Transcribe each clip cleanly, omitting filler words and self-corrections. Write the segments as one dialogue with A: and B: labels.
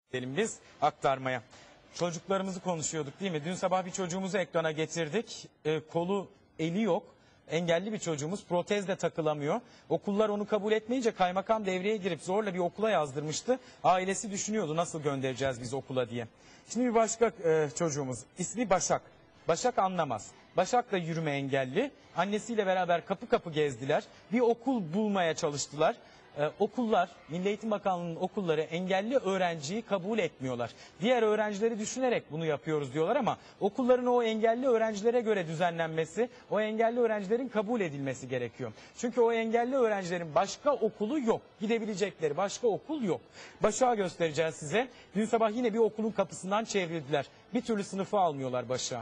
A: Gidelim biz aktarmaya. Çocuklarımızı konuşuyorduk değil mi? Dün sabah bir çocuğumuzu ekrana getirdik. Kolu, eli yok. Engelli bir çocuğumuz, protezle takılamıyor. Okullar onu kabul etmeyince kaymakam devreye girip zorla bir okula yazdırmıştı. Ailesi düşünüyordu nasıl göndereceğiz biz okula diye. Şimdi bir başka çocuğumuz, ismi Başak. Başak anlamaz. Başak da yürüme engelli. Annesiyle beraber kapı kapı gezdiler. Bir okul bulmaya çalıştılar. Okullar, Milli Eğitim Bakanlığı'nın okulları engelli öğrenciyi kabul etmiyorlar. Diğer öğrencileri düşünerek bunu yapıyoruz diyorlar ama okulların o engelli öğrencilere göre düzenlenmesi, o engelli öğrencilerin kabul edilmesi gerekiyor. Çünkü o engelli öğrencilerin başka okulu yok. Gidebilecekleri başka okul yok. Başak'ı göstereceğiz size. Dün sabah yine bir okulun kapısından çevrildiler. Bir türlü sınıfa almıyorlar Başak'ı.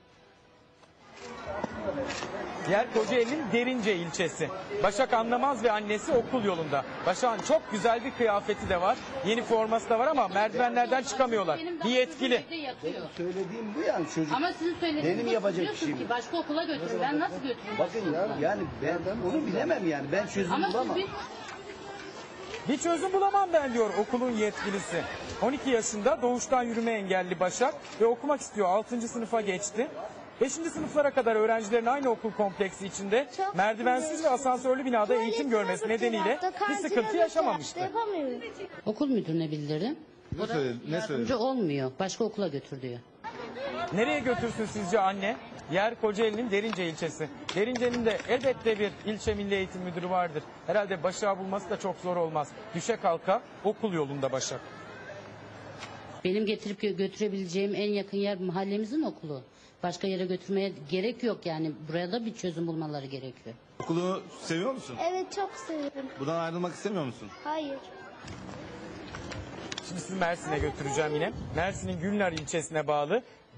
A: Yer Kocaeli'nin Derince ilçesi. Başak anlamaz ve annesi okul yolunda. Başak'ın çok güzel bir kıyafeti de var. Yeni forması da var ama merdivenlerden çıkamıyorlar. Bir yetkili.
B: Söylediğim bu yani çocuk.
C: Ama sizin söylediğiniz
B: benim yapacak işim.
C: ki başka okula götürün. Ben nasıl götüreyim?
B: Bakın ya yani ben onu bilemem yani. Ben çözüm
C: Ama
B: bulamam.
C: siz
A: Bir çözüm bulamam ben diyor okulun yetkilisi. 12 yaşında doğuştan yürüme engelli Başak ve okumak istiyor. 6. sınıfa geçti. 5. sınıflara kadar öğrencilerin aynı okul kompleksi içinde merdivensiz ve asansörlü binada eğitim görmesi nedeniyle bir sıkıntı yaşamamıştı.
C: okul müdürüne bildirdim. O da yardımcı olmuyor. Başka okula götür diyor.
A: Nereye götürsün sizce anne? Yer Kocaeli'nin Derince ilçesi. Derince'nin de elbette bir ilçe milli eğitim müdürü vardır. Herhalde Başak'ı bulması da çok zor olmaz. Düşe kalka okul yolunda Başak.
C: Benim getirip götürebileceğim en yakın yer mahallemizin okulu. Başka yere götürmeye gerek yok yani. Buraya da bir çözüm bulmaları gerekiyor.
D: Okulu seviyor musun?
E: Evet, çok seviyorum.
D: Buradan ayrılmak istemiyor musun?
E: Hayır.
A: Şimdi sizi Mersin'e götüreceğim yine. Mersin'in Gülnar ilçesine bağlı